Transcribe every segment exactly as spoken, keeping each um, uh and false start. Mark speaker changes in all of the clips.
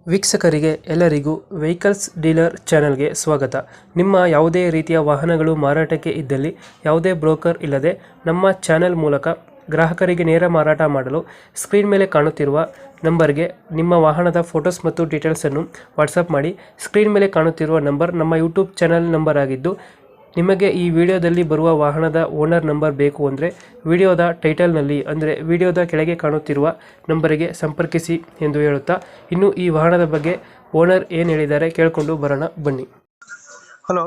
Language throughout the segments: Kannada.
Speaker 1: ವೀಕ್ಷಕರಿಗೆ ಎಲ್ಲರಿಗೂ ವೆಹಿಕಲ್ಸ್ ಡೀಲರ್ ಚಾನೆಲ್ಗೆ ಸ್ವಾಗತ. ನಿಮ್ಮ ಯಾವುದೇ ರೀತಿಯ ವಾಹನಗಳು ಮಾರಾಟಕ್ಕೆ ಇದ್ದಲ್ಲಿ ಯಾವುದೇ ಬ್ರೋಕರ್ ಇಲ್ಲದೆ ನಮ್ಮ ಚಾನೆಲ್ ಮೂಲಕ ಗ್ರಾಹಕರಿಗೆ ನೇರ ಮಾರಾಟ ಮಾಡಲು ಸ್ಕ್ರೀನ್ ಮೇಲೆ ಕಾಣುತ್ತಿರುವ ನಂಬರ್ಗೆ ನಿಮ್ಮ ವಾಹನದ ಫೋಟೋಸ್ ಮತ್ತು ಡೀಟೇಲ್ಸನ್ನು ವಾಟ್ಸಪ್ ಮಾಡಿ. ಸ್ಕ್ರೀನ್ ಮೇಲೆ ಕಾಣುತ್ತಿರುವ ನಂಬರ್ ನಮ್ಮ ಯೂಟ್ಯೂಬ್ ಚಾನೆಲ್ ನಂಬರ್ ಆಗಿದ್ದು, ನಿಮಗೆ ಈ ವಿಡಿಯೋದಲ್ಲಿ ಬರುವ ವಾಹನದ ಓನರ್ ನಂಬರ್ ಬೇಕು ಅಂದರೆ ವಿಡಿಯೋದ ಟೈಟಲ್ನಲ್ಲಿ ಅಂದರೆ ವಿಡಿಯೋದ ಕೆಳಗೆ ಕಾಣುತ್ತಿರುವ ನಂಬರಿಗೆ ಸಂಪರ್ಕಿಸಿ ಎಂದು ಹೇಳುತ್ತಾ, ಇನ್ನು ಈ ವಾಹನದ ಬಗ್ಗೆ ಓನರ್ ಏನು ಹೇಳಿದ್ದಾರೆ ಕೇಳಿಕೊಂಡು ಬರೋಣ ಬನ್ನಿ. Hello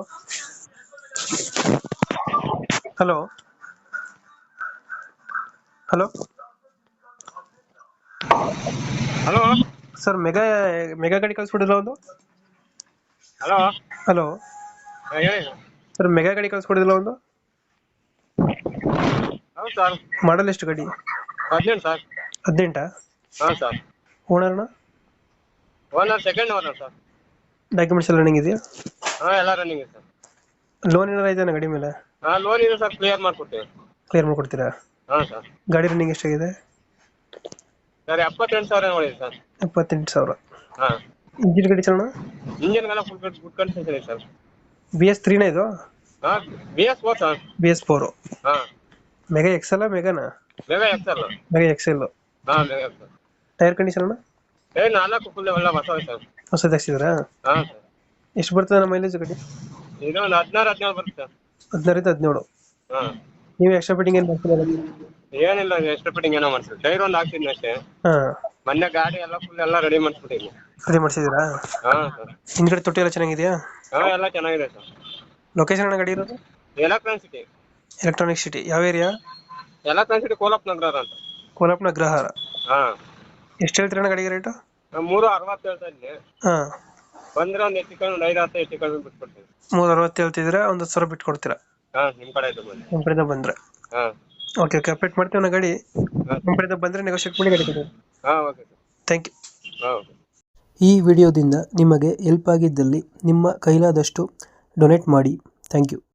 Speaker 1: hello hello
Speaker 2: hello
Speaker 1: sir, mega mega ಗಾಡಿ ಕಳಿಸ್ಬಿಡಿಲ್ಲ ಒಂದು.
Speaker 2: ಹಲೋ
Speaker 1: ಹಲೋ
Speaker 2: ಹೇಳಿ
Speaker 1: ಸರ್, ಮೆಗಾ ಗಾಡಿ ಕಳಿಸ್ಕೊಡಿದಿಲ್ಲ ಒಂದು.
Speaker 2: ಹೌದು ಸರ್.
Speaker 1: ಮಾಡಲ್ ಎಷ್ಟು ಗಾಡಿ?
Speaker 2: ಹದಿನೆಂಟು ಸರ್.
Speaker 1: ಹದಿನೆಂಟಾ?
Speaker 2: ಹಾಂ ಸರ್.
Speaker 1: ಓನರ್ನ
Speaker 2: owner second owner sir.
Speaker 1: Documents ಎಲ್ಲ ರನ್ನಿಂಗ್ ಇದೆಯಾ?
Speaker 2: ಹಾಂ ಎಲ್ಲ ರನ್ನಿಂಗ್ ಇದೆ ಸರ್.
Speaker 1: ಲೋನ್ ಏನಾರ ಇದೆಯಾ ಗಾಡಿ ಮೇಲೆ?
Speaker 2: ಹಾಂ ಲೋನ್ ಇದೆ ಸರ್, ಕ್ಲಿಯರ್ ಮಾಡ್ಕೊಡ್ತೀವಿ.
Speaker 1: ಕ್ಲಿಯರ್ ಮಾಡ್ಕೊಡ್ತೀರಾ?
Speaker 2: ಹಾಂ ಸರ್.
Speaker 1: ಗಾಡಿ ರನ್ನಿಂಗ್ ಎಷ್ಟಾಗಿದೆ?
Speaker 2: ಸರ್ ಎಪ್ಪತ್ತೆಂಟು ಸಾವಿರ ನೋಡಿದೆ ಸರ್.
Speaker 1: ಎಪ್ಪತ್ತೆಂಟು ಸಾವಿರ.
Speaker 2: ಹಾಂ.
Speaker 1: ಇಂಜಿನ್ ಗಾಡಿ ಚಲೋಣ?
Speaker 2: ಇಂಜಿನ್ಗೆಲ್ಲ ಫುಲ್ ಗುಡ್ ಕಂಡೀಷನ್ ಇದೆ ಸರ್.
Speaker 1: ಬಿ ಎಸ್ ತ್ರೀನ ಇದು?
Speaker 2: ಹಾಂ B S four sir.
Speaker 1: B S four.
Speaker 2: ಹಾಂ
Speaker 1: ಮೆಗಾ ಎಕ್ಸೆಲ್ ಮೆಗಾನ?
Speaker 2: Mega excel.
Speaker 1: Mega excel.
Speaker 2: ಹಾಂ ಮೆಗಾ ಎಕ್ಸೆಲ್.
Speaker 1: ಟೈರ್ ಕಂಡೀಷನ್ ಅಣ್ಣ?
Speaker 2: ಏ ನಾಲ್ಕು ಫುಲ್ ಎಲ್ಲ ಹೊಸ ಸರ್.
Speaker 1: ಹೊಸದು ಹಾಕ್ಸಿದ್ರಾ?
Speaker 2: ಹಾಂ ಸರ್.
Speaker 1: ಎಷ್ಟು ಬರ್ತದೆ ನಮ್ಮ ಮೈಲೇಜ್ ಗಾಡಿ?
Speaker 2: ಇದು ಒಂದು ಹದಿನಾರು ಹದಿನೇಳು ಬರುತ್ತೆ ಸರ್.
Speaker 1: ಹದಿನಾರಿಂದ ಹದಿನೇಳು.
Speaker 2: ಹಾಂ.
Speaker 1: ನೀವು ಎಕ್ಸ್ಟ್ರಾ ಫಿಟ್ಟಿಂಗ್ ಏನು ಮಾಡ್ತೀರಾ?
Speaker 2: ಏನಿಲ್ಲ, ಎಷ್ಟು ಫಿಟ್ಟಿಂಗ್ ಏನೋ ಮಾಡ್ತೀವಿ. ಟೈರ್ ಒಂದು ಹಾಕ್ಸಿದ್ನಿ ಅಷ್ಟೇ.
Speaker 1: ಹಾಂ.
Speaker 2: ಮೊನ್ನೆ ಗಾಡಿ ಎಲ್ಲ ಫುಲ್ ಎಲ್ಲ ರೆಡಿ ಮಾಡಿಸ್ಬಿಟ್ಟಿದ್ವಿ.
Speaker 1: ಅದೇ ಮಾಡಿಸಿದ್ದೀರಾ?
Speaker 2: ಹಾಂ ಸರ್.
Speaker 1: ಹಿಂದ್ಗಡೆ ತೊಟ್ಟಿ ಎಲ್ಲ ಚೆನ್ನಾಗಿದೆಯಾ?
Speaker 2: ಹಾಂ ಎಲ್ಲ ಚೆನ್ನಾಗಿದೆ ಸರ್.
Speaker 1: ಲೊಕೇಶನ್ ಅಣ್ಣ ಗಾಡಿ ಇರೋದು?
Speaker 2: Electronic city.
Speaker 1: ಎಲೆಕ್ಟ್ರಾನಿಕ್ ಸಿಟಿ ಯಾವ ಏರಿಯಾ?
Speaker 2: ಎಲೆಕ್ಟ್ರಾನಿಕ್ ಸಿಟಿ ಕೋಲಪ್ ನಗರ ಅಂತ.
Speaker 1: ಕೋಲಪ್ನ ಅಗ್ರಹಾರ.
Speaker 2: ಹಾಂ.
Speaker 1: ಎಷ್ಟು ಹೇಳ್ತೀರಣ್ಣ ಗಾಡಿಗೆ ರೇಟು?
Speaker 2: ಮೂರು ಅರವತ್ತು ಹೇಳ್ತಾ ಇದ್ದೀನಿ.
Speaker 1: ಹಾಂ.
Speaker 2: ಬಂದ್ರೆ ಒಂದು ಹೆಚ್ಚು ಕಡಿಮೆ ಒಂದು ಐದು ಹತ್ತು ಹೆಚ್ಚು ಕಡಿಮೆ ಬಿಟ್ಕೊಡ್ತೀನಿ.
Speaker 1: ಮೂರು ಅರವತ್ತು ಹೇಳ್ತಿದ್ದೀರಾ, ಒಂದು ಹತ್ತು ಸಾವಿರ ಬಿಟ್ಟು ಕೊಡ್ತೀರಾ?
Speaker 2: ಹಾಂ ನಿಮ್ಮ ಕಡೆ ಇದು ಬನ್ನಿ.
Speaker 1: ನಮ್ಮ ಕಡೆಯಿಂದ ಬಂದರೆ.
Speaker 2: ಹಾಂ
Speaker 1: ಓಕೆ ಓಕೆ, ಅಪ್ಡೇಟ್ ಮಾಡ್ತೀವಿ ನಾ ಗಾಡಿ. ನಮ್ಮ ಕಡೆಯಿಂದ ಬಂದರೆ ನೆಗೋಷಿಯೇಟ್ ಮಾಡಿ ಗಾಡಿ ಕೊಡಿ.
Speaker 2: ಹಾಂ ಓಕೆ ಸರ್.
Speaker 1: Thank you.
Speaker 2: ಹಾಂ ಓಕೆ.
Speaker 1: ಈ ವಿಡಿಯೋದಿಂದ ನಿಮಗೆ ಹೆಲ್ಪ್ ಆಗಿದ್ದಲ್ಲಿ ನಿಮ್ಮ ಕೈಲಾದಷ್ಟು ಡೊನೇಟ್ ಮಾಡಿ. Thank you.